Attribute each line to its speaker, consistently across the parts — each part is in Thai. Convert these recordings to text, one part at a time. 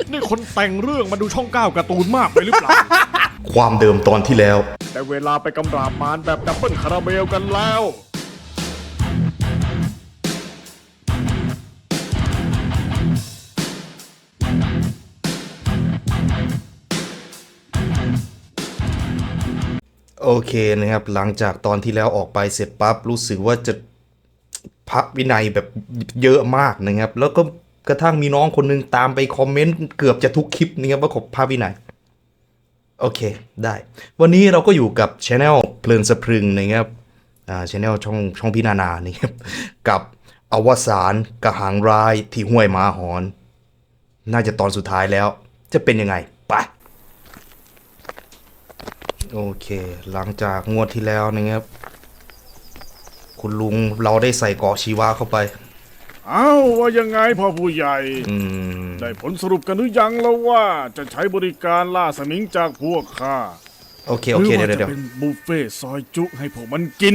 Speaker 1: นี่คนแต่งเรื่องมาดูช่อง9การ์ตูนมากไปหรือเปล่า
Speaker 2: ความเดิมตอนที่แล้ว
Speaker 1: แต่เวลาไปกำราบมารแบบดับเบิลคาราเมลกันแล้ว
Speaker 2: โอเคนะครับหลังจากตอนที่แล้วออกไปเสร็จปั๊บรู้สึกว่าจะพระวินัยแบบเยอะมากนะครับแล้วก็กระทั่งมีน้องคนนึงตามไปคอมเมนต์เกือบจะทุกคลิปนะครับว่าขบพระวินัยโอเคได้วันนี้เราก็อยู่กับช anel เพลินสะพรึงนะครับช anel ช่องพี่นานานี่ครับกับอวสานกระหังร้ายที่ห้วยหมาหอนน่าจะตอนสุดท้ายแล้วจะเป็นยังไงไปโอเคหลังจากงวดที่แล้วนะครับคุณลุงเราได้ใส่เกาะชีวะเข้าไป
Speaker 1: อ้าวว่ายังไงพ่อผู้ใหญ่ได้ผลสรุปกันหรือยังแล้วว่าจะใช้บริการล่าสมิงจากพวกข้า
Speaker 2: โอเคเดี๋ยว
Speaker 1: เป็นบุฟเฟ่ซอยจุให้พวกมันกิน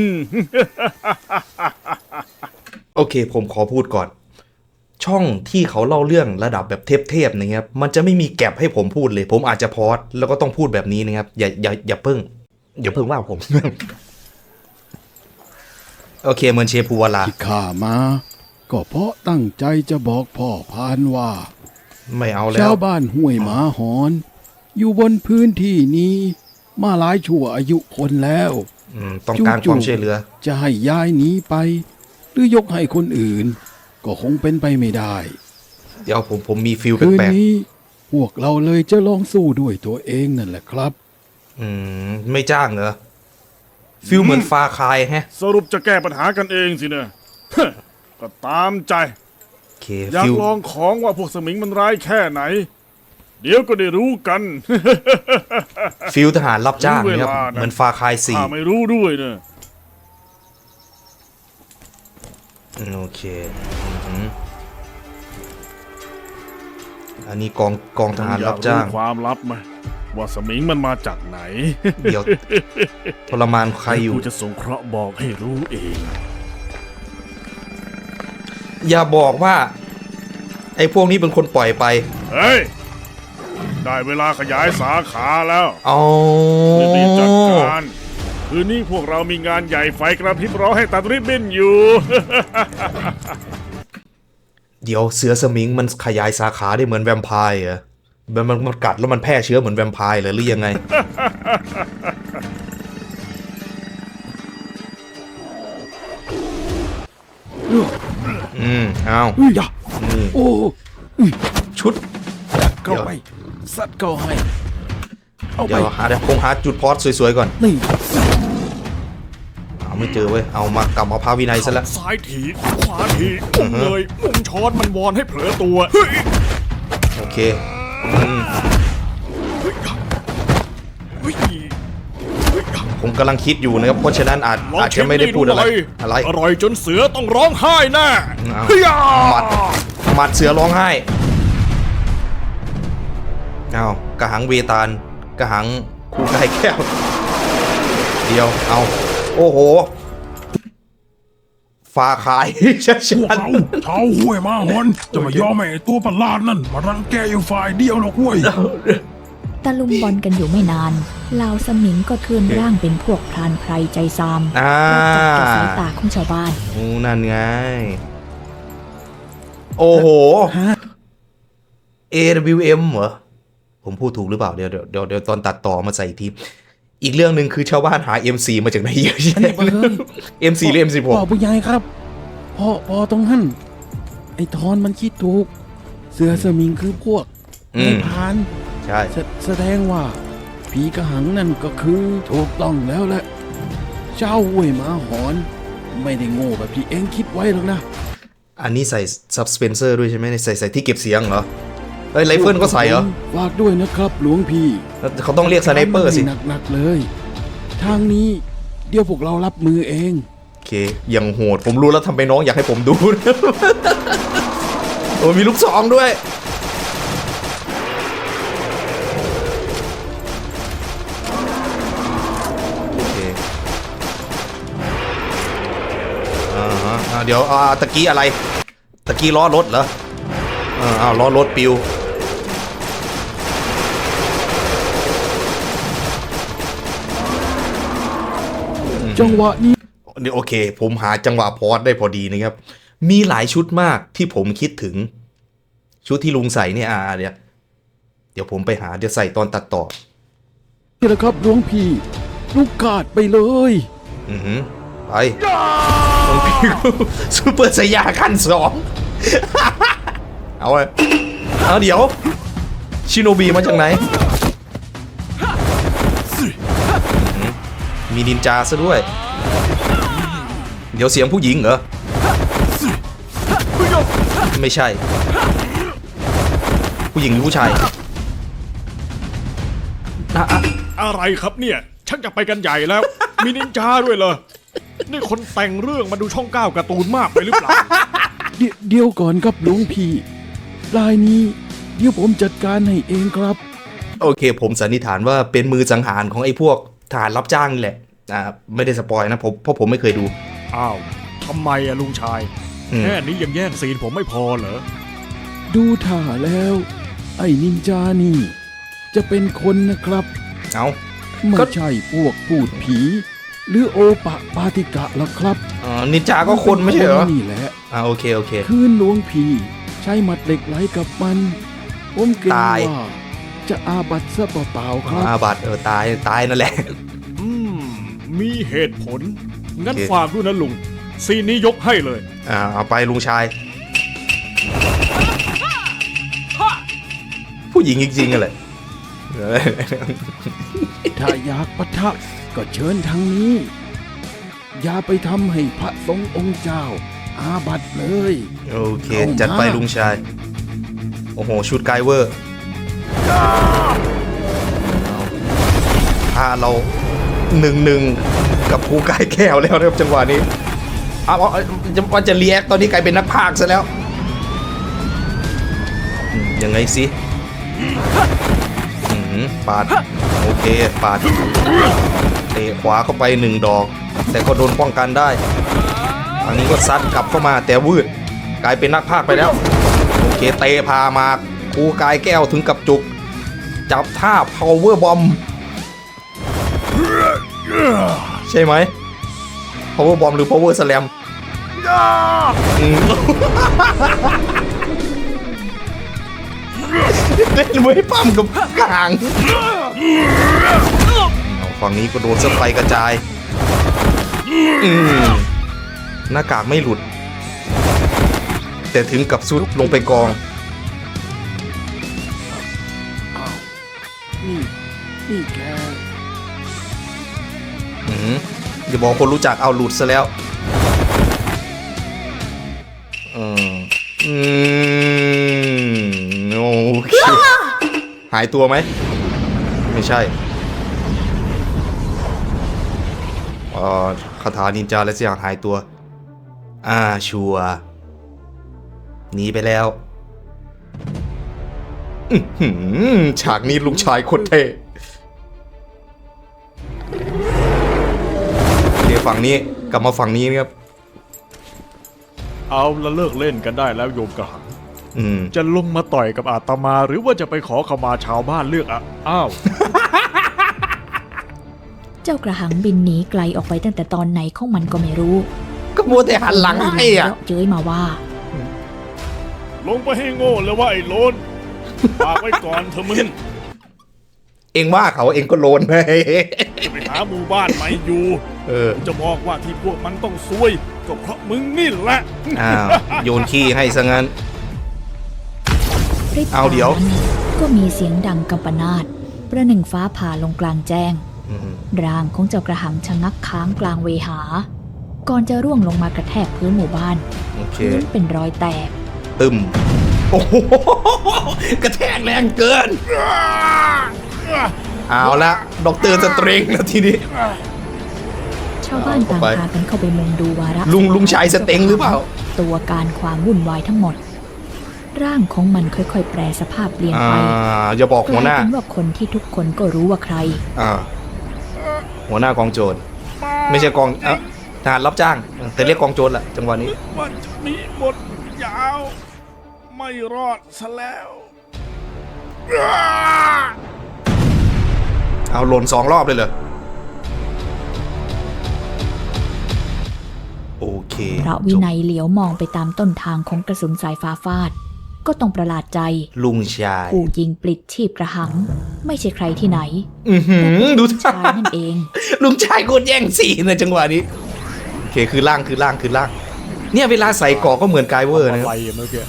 Speaker 2: โอเคผมขอพูดก่อนช่องที่เขาเล่าเรื่องระดับแบบเทพๆนะครับมันจะไม่มีแก็บให้ผมพูดเลยผมอาจจะพอดแล้วก็ต้องพูดแบบนี้นะครับอย่าเพิ่งว่าผม โอเคเหมือนเชฟภูวลา
Speaker 3: ที่ข้ามาก็เพราะตั้งใจจะบอกพ่อพานว่า
Speaker 2: ไม่เอาแล้ว
Speaker 3: ชาวบ้านห้วยหมาหอนอยู่บนพื้นที่นี้มาหลายชั่วอายุคนแล้ว
Speaker 2: ต้องการความช่วยเหลือ
Speaker 3: จะให้ย้ายหนีไปหรือยกให้คนอื่นก็คงเป็นไปไม่ได้
Speaker 2: เดี๋ยวผมมีฟิลแปลกๆ
Speaker 3: คืนนี้พวกเราเลยจะลองสู้ด้วยตัวเองนั่นแหละครับ
Speaker 2: ไม่จ้างเหรอฟิลเหมือนฟาคายแฮะ
Speaker 1: สรุปจะแก้ปัญหากันเองสินะก็ตามใจอยากลองของว่าพวกสมิงมันร้ายแค่ไหนเดี๋ยวก็ได้รู้กัน
Speaker 2: ฟิลทหารรับจ้างเนี่ยเหมือนฟาคาย4
Speaker 1: ไม่รู้ด้วยเนอะ
Speaker 2: โอเคอันนี้กองทหารรับจ้าง
Speaker 1: ความลับไหมว่าสมิงมันมาจากไหน
Speaker 2: เดี๋ยวทรมานใครอยู่
Speaker 1: กูจะสงเคราะห์บอกให้รู้เอง
Speaker 2: อย่าบอกว่าไอ้พวกนี้เป็นคนปล่อยไป
Speaker 1: เฮ้ยได้เวลาขยายสาขาแล้ว
Speaker 2: รี
Speaker 1: บจัดการคืนนี้พวกเรามีงานใหญ่ไฟกระพริบรอให้ตัดริบบิ้นอยู่
Speaker 2: เดี๋ยวเสือสมิงมันขยายสาขาได้เหมือนแวมไพร์เหรอมันกัดแล้วมันแพร่เชื้อเหมือนแวมไพร์หรือยังไง เอา
Speaker 3: โอ้
Speaker 2: ชุด
Speaker 3: เข้าไปสัตว์เข้าให้เอาไป
Speaker 2: เดี๋ยวคงหาจุดพอดสวยๆก่อน
Speaker 3: นี่
Speaker 2: ไม่เจอเว้ยเอามากลับมาพาวินัยซะแล้ว
Speaker 1: ซ้ายถีขวาถีมุ่งเลยมุ่งช้อนมันวอนให้เผลอตัว
Speaker 2: โอเคผมกำลังคิดอยู่นะครับเพราะฉะนั้นอาจจะไม่ได้พูดอะไร
Speaker 1: อร่อยจนเสือต้องร้องไห้แน่
Speaker 2: หมัดเสือร้องไห้เอากระหังเวตาลกระหังคูไก่แก้วเดียวเอาโอ้โหฟ้าขายชัดๆ
Speaker 4: ชาวห้วยมาหอนจะมายอมให้ตัวประหลาดนั่นมารังแกอยู่ฝ่ายเดียวหรอกห้วย
Speaker 5: ตะลุมบอลกันอยู่ไม่นานเหล่าสมิงก็เคลื่อนร่างเป็นพวกพรานไพรใจซามจับสายตาของชาวบ้าน
Speaker 2: นั่นไงโอ้โห AWM เหรอผมพูดถูกหรือเปล่าเดี๋ยวตอนตัดต่อมาใส่ทีอีกเรื่องหนึ่งคือชาวบ้านหา MC มาจากไหนเยอะแยะ MC หรือ M16
Speaker 3: พ่อผู้ใหญ่ครับพ่อตรงนั้นไอ้ทอนมันคิดถูกเสือสมิงคือพวกในพาน
Speaker 2: ใช่
Speaker 3: แสดงว่าผีกระหังนั่นก็คือถูกต้องแล้วแหละเจ้าห้วยหมาหอนไม่ได้โง่แบบที่เองคิดไว้หรอกนะ
Speaker 2: อันนี้ใส่ซับสเปนเซอร์ด้วยใช่ไหมใส่ที่เก็บเสียงเหรอไรเฟิลก็ใส่เหรอ
Speaker 3: ฝากด้วยนะครับหลวงพี่
Speaker 2: เขาต้องเรียกสไนเปอร์สิ
Speaker 3: หนักเลยทางนี้เดี๋ยวพวกเรารับมือเอง
Speaker 2: โอเคยังโหดผมรู้แล้วทำไมน้องอยากให้ผมดู โอ้มีลูกซองด้วยโอเคเดี๋ยวตะกี้อะไรตะกี้ล้อรถเหรอล้อรถปิว
Speaker 3: จังหวะนี้
Speaker 2: นี่โอเค ผมหาจังหวะพอสได้พอดีนะครับ มีหลายชุดมากที่ผมคิดถึง ชุดที่ลุงใส่เนี่ยเดี๋ยวผมไปหาเดี๋ยวใส่ตอนตัดต่อ
Speaker 3: นี่แหละครับหลวงพี่ลูกกาดไปเลย
Speaker 2: อือหือไปหลวงพี่ซูเปอร์สยาขั้นสอง เอาเดี๋ยวชิโนบีมาจากไหน มีนินจาซะด้วย เดี๋ยวเสียงผู้หญิงเหรอ ไม่ใช่ ผู้หญิงหรือผู้ชาย
Speaker 1: อะไรครับเนี่ยชักจะไปกันใหญ่แล้ว มีนินจาด้วยเหรอนี่คนแต่งเรื่องมาดูช่อง9การ์ตูนมากไปหรือเปล่า
Speaker 3: เดี๋ยวก่อนครับหลวงพี่รายนี้เดี๋ยวผมจัดการให้เองครับ
Speaker 2: โอเค ผมสันนิษฐานว่าเป็นมือสังหารของไอ้พวกทหารรับจ้างนี่แหละไม่ได้สปอยนะเพราะผมไม่เคยดู
Speaker 1: อ้าวทำไมอะลุงชาย แค่นี้ยังแย่งซีนผมไม่พอเหรอ
Speaker 3: ดูท่าแล้ว ไอ้นินจานี่ จะเป็นคนนะครับ
Speaker 2: เอา
Speaker 3: ไม่
Speaker 2: ก็
Speaker 3: ใช่พวกพูดผี หรือโอปะปาติกะหรอกครับ
Speaker 2: นินจาก็คนไม่ใช่เหรอ
Speaker 3: นี่แหละ
Speaker 2: โอเค
Speaker 3: คืนหลวงพี่ใช้หมัดเหล็กไหลกับมันผมเกรง
Speaker 2: ตาย
Speaker 3: ว่าจะอาบัตซะเปล่าๆครับ
Speaker 2: อาบัตตายนั่นแหละ
Speaker 1: มีเหตุผล งั้น
Speaker 2: โอเค
Speaker 1: ฝากด้วยนะลุง ซีนนี้ยกให้เลย
Speaker 2: เอาไปลุงชาย ผู้หญิงจริงๆกันเลย
Speaker 3: ถ้าอยากปะทะก็เชิญทางนี้ อย่าไปทำให้พระสงฆ์องค์เจ้า อาบัตเลย
Speaker 2: โอเค
Speaker 3: เข้ามา
Speaker 2: จัดไปลุงชาย โอ้โห ชุดไกเวอร์พาเรา1-1กับภูกายแก้วแล้วนะครับจังหวะนี้ว่าจะเรียกตอนนี้กลายเป็นนักพากย์ซะแล้วยังไงสิปาด โอเค ปาดเตะขวาเข้าไป1 ดอก แต่ก็โดนป้องกันได้อันนี้ก็ซัดกลับเข้ามาแต่วืดกลายเป็นนักพากย์ไปแล้ว โอเคเตะพามาครูกายแก้วถึงกับจุก จับท่า power bomb ใช่ไหม power bomb หรือ power slam เล่นมวยปั้มกับกลางฝั่งนี้ก็โดนสไปกระจายหน้ากากไม่หลุด แต่ถึงกับซุดลงไปกอง
Speaker 3: นี่แก
Speaker 2: อย่าบอกคนรู้จักเอาหลุดซะแล้วโอเคหายตัวไหมไม่ใช่คาถานินจาและเสียงหายตัวชัวร์หนีไปแล้วฉากนี้ลุงชายโคตรเท่เดี๋ยวฝั่งนี้กลับมาฝั่งนี้นะครับ
Speaker 1: เอาละเลิกเล่นกันได้แล้วโยมกระหัง จะลงมาต่อยกับอาตมา หรือว่าจะไปขอขมาชาวบ้านเลือกอ้าว
Speaker 5: เจ้ากระหังบินหนีไกลออกไปตั้งแต่ตอนไหนของมันก็ไม่รู้
Speaker 2: ก็มัวแต่หันหลังให้อ่ะ
Speaker 5: เย้ยมาว่า
Speaker 1: ลงไปให้โง่เลยว่าไอ้โลนฝากไว้ก่อนเถอะมึง
Speaker 2: เองว่าเขาเองก็โลนไป
Speaker 1: จะไปหาหมู่บ้านใหม่อยู่จะบอกว่าที่พวกมันต้องซวยก็เพราะมึงนี่แหละ
Speaker 2: โยนขี้ให้ซะงั้น
Speaker 5: พริบ
Speaker 2: เอาเดี๋ยว
Speaker 5: ตานั้นก็มีเสียงดังกำปนาตประหนึ่งฟ้าผ่าลงกลางแจ้ง ร่างของเจ้ากระหังชะงักค้างกลางเวหา ก่อนจะร่วงลงมากระแทกพื้นหมู่บ้าน
Speaker 2: โอเค
Speaker 5: พื้นเป็นรอยแตก
Speaker 2: ตึมโอ้โหกระแทกแรงเกิน เอาละด็อกเตอร์สเตรงแล้วทีนี้
Speaker 5: ชาวบ้านต่างพากันเข้าไปมุงดูวาระ
Speaker 2: ลุงชายสเต็งหรือเปล่า
Speaker 5: ตัวการความวุ่นวายทั้งหมด ร่างของมันค่อยๆแปรสภาพเปลี่ยนไป
Speaker 2: อย่าบอกหัวหน้า
Speaker 5: กลายเป็นว่าคนที่ทุกคนก็รู้ว่าใคร
Speaker 2: หัวหน้ากองโจรไม่ใช่กองทหารรับจ้าง แต่เรียกกองโจรแหละจังหวะนี้
Speaker 1: มันจะมีบทยาว ไม่รอดซะแล้ว
Speaker 2: เอาหล่น2 รอบเลยเหรอเค
Speaker 5: พระวินัยเหลียวมองไปตามต้นทางของกระสุนสายฟ้าฟาด ก็ต้องประหลาดใจ
Speaker 2: ลุงชาย
Speaker 5: ผู้ยิงปลิดชีพกระหัง ไม่ใช่ใครที่ไหน
Speaker 2: ดู
Speaker 5: แต่เป็นชายนั่นเอง
Speaker 2: ลุงชายโคตรแย่งสีในจังหวะนี้โอเคคือล่างเนี่ยเวลาใส่เกาะก็เหมือนไกเวอร์นะครับ
Speaker 4: อะไรเมื่อกี้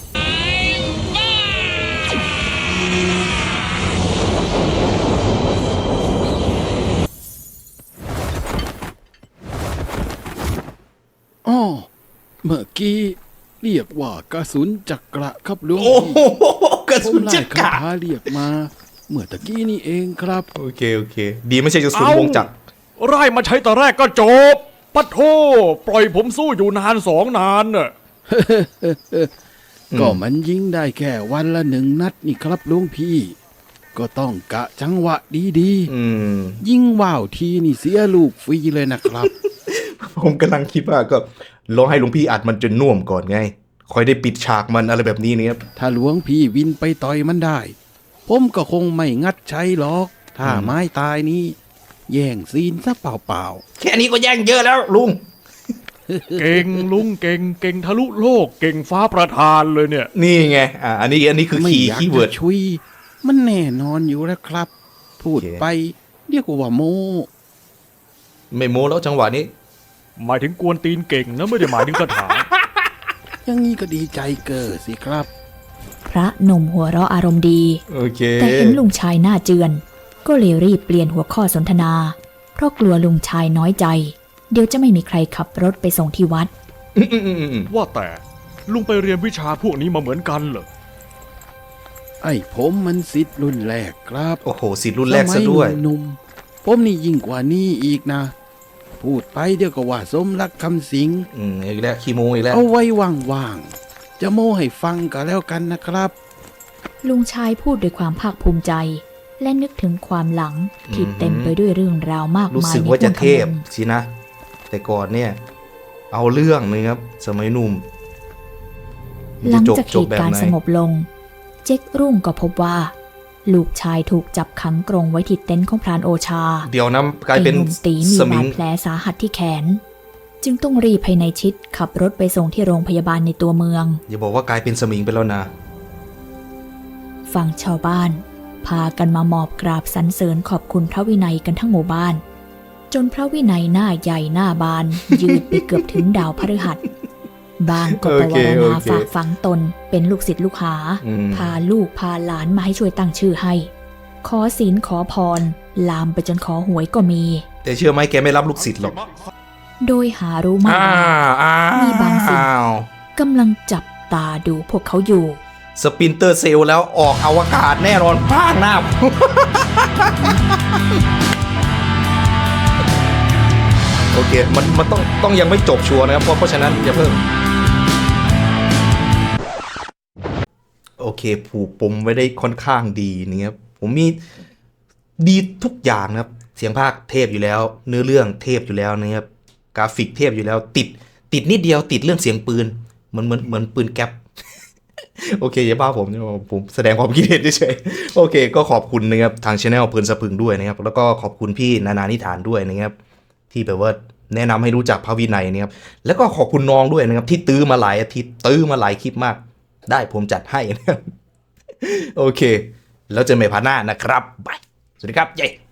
Speaker 3: อ้อเมื่อกี้เรียกว่ากระสุนจักระครับหลวง
Speaker 2: โอ้
Speaker 3: พี่
Speaker 2: โหกระ
Speaker 3: ผ
Speaker 2: สุ
Speaker 3: ม
Speaker 2: น
Speaker 3: ไล่
Speaker 2: จัก
Speaker 3: คา
Speaker 2: ระ
Speaker 3: ถาเรียกมา เมื่อตะกี้นี่เองครับ
Speaker 2: โอเคดีไม่ใช่กระสุนวงจักร
Speaker 1: ไล่มาใช้แต่แรกก็จบปะโทปล่อยผมสู้อยู่นาน2 นานน่ะ
Speaker 3: ก็มันยิงได้แค่วันละ1 นัดนี่ครับหลวงพี่ ก็ต้องกะจังหวะดี
Speaker 2: อืม
Speaker 3: ๆ ยิงว่าวทีนี่เสียลูกฟรีเลยนะครับ
Speaker 2: ผมกำลังคิดว่าก็ลองให้หลวงพี่อัดมันจนน่วมก่อนไงค่อยได้ปิดฉากมันอะไรแบบนี้เนี่ยครับ
Speaker 3: ถ้าหลวงพี่วินไปต่อยมันได้ ผมก็คงไม่งัดใช้หรอก ถ้าไม้ตายนี้ แย่งซีนซะเปล่า
Speaker 2: แค่นี้ก็แย่งเยอะแล้วลุง
Speaker 1: เก่งลุงเก่งทะลุโลกเก่งฟ้าประทานเลยเนี่ย
Speaker 2: นี่ไงอันนี้คือ
Speaker 3: ๆ ไม่
Speaker 2: คีย์
Speaker 3: อยาก
Speaker 2: คีย์เวิ
Speaker 3: จะ
Speaker 2: ร์ด
Speaker 3: ชุย มันแน่นอนอยู่แล้วครับ พูด
Speaker 2: โอเค
Speaker 3: ไปเรียกว่าโม
Speaker 2: ไม่โม้แล้วจังหวะนี้
Speaker 1: หมายถึงกวนตีนเก่งนะไม่ได้หมายถึงคาถา
Speaker 3: อย่างนี้ก็ดีใจเกิดสิครับ
Speaker 5: พระหนุ่มหัวเราะอารมณ์ดี
Speaker 2: โอเค
Speaker 5: แต่เห็นลุงชายหน้าเจือน ก็เลยรีบเปลี่ยนหัวข้อสนทนา เพราะกลัวลุงชายน้อยใจ เดี๋ยวจะไม่มีใครขับรถไปส่งที่วัด
Speaker 1: ว่าแต่ลุงไปเรียนวิชาพวกนี้มาเหมือนกันเหรอ
Speaker 3: ไอ้ผมมันสิทธิ์รุ่นแรกครับ
Speaker 2: โอ้โหสิทธิ์รุ่นแรกซะด้วย
Speaker 3: สมัหนุ่มๆผมนี่ยิ่งกว่านี้อีกนะ พูดไปเดี๋ยวก็ว่าสมรักคำสิง
Speaker 2: อีกแล้วขี้โม้อีกแล้ว
Speaker 3: เอาไว้ว่างๆ จะโม้ให้ฟังก็แล้วกันนะครับ
Speaker 5: ลุงชายพูดด้วยความภาคภูมิใจ และนึกถึงความหลังที่เต็มไปด้วยเรื่องราวมาก
Speaker 2: รู้
Speaker 5: มาย
Speaker 2: สึก
Speaker 5: ใน
Speaker 2: ว่าจะ
Speaker 5: ห้วง
Speaker 2: เทพ
Speaker 5: ขนม
Speaker 2: สินะ แต่ก่อนเนี่ย เอาเรื่องเลยครับ สมัยหนุ่ม
Speaker 5: หลังจาก
Speaker 2: จ
Speaker 5: เห
Speaker 2: บ
Speaker 5: ตุ
Speaker 2: แบบ
Speaker 5: การ
Speaker 2: ไห
Speaker 5: ณ์
Speaker 2: น
Speaker 5: สงบลง เจ๊กรุ่งก็พบว่า ลูกชายถูกจับขังกรงไว้ที่เต็นท์ของพรานโอชา
Speaker 2: เดี๋ยวนะกลายเป็น
Speaker 5: ไอ้หนุ่มตีมี
Speaker 2: สมิ
Speaker 5: บาง ดแผลสาหัสที่แขน จึงต้องรีบให้ในายชิดขับรถไปส่งที่โรงพยาบาลในตัวเมือง
Speaker 2: อย่าบอกว่ากลายเป็นสมิงไปแล้วนะ
Speaker 5: ฝั่งชาวบ้าน พากันมาหมอบกราบสรรเสริญขอบคุณพระวินัยกันทั้งหมู่บ้าน จนพระวินัยหน้าใหญ่หน้าบาน ยืดไปเกือบถึงดาวพฤหัส บางก็ปวารณาฝากฝังตนเป็นลูกศิษย์ลูกหา พาลูกพาหลานมาให้ช่วยตั้งชื่อให้ ขอศีลขอพร ลามไปจนขอหวยก็มี
Speaker 2: แต่เชื่อไหมแกไม่รับลูกศิษย์หรอก
Speaker 5: โดยหารู้มากว่ามีบางสิ่ง
Speaker 2: อ้าว
Speaker 5: กำลังจับตาดูพวกเขาอยู่
Speaker 2: สปินเตอร์เซลล์แล้วออกอวกาศแน่นอนพากหน้า โอเค มันต้องยังไม่จบชัวร์นะครับ เพราะฉะนั้นอย่าเพิ่ง โอเค ผูกปมไว้ได้ค่อนข้างดีนะครับผมมีดีทุกอย่างนะครับ เสียงภาคเทพอยู่แล้ว เนื้อเรื่องเทพอยู่แล้วนะครับ กราฟิกเทพอยู่แล้ว ติดนิดเดียวติดเรื่องเสียงปืนเหมือนปืนแก๊ป โอเคอย่าบ้าผมแสดงความคิดเห็นเฉยๆโอเค ก็ขอบคุณนะครับทางช anel เพลินสะพึงด้วยนะครับ แล้วก็ขอบคุณพี่นานานิฐานด้วยนะครับ ที่แบบว่าแนะนำให้รู้จักพระวินัยนะครับ แล้วก็ขอบคุณน้องด้วยนะครับ ที่ตื้อมาหลายอาทิตย์ตื้อมาหลายคลิปมาก ได้ผมจัดให้นะครับ โอเค แล้วเจอกันใหม่พาร์ทหน้านะครับบายสวัสดีครับเย้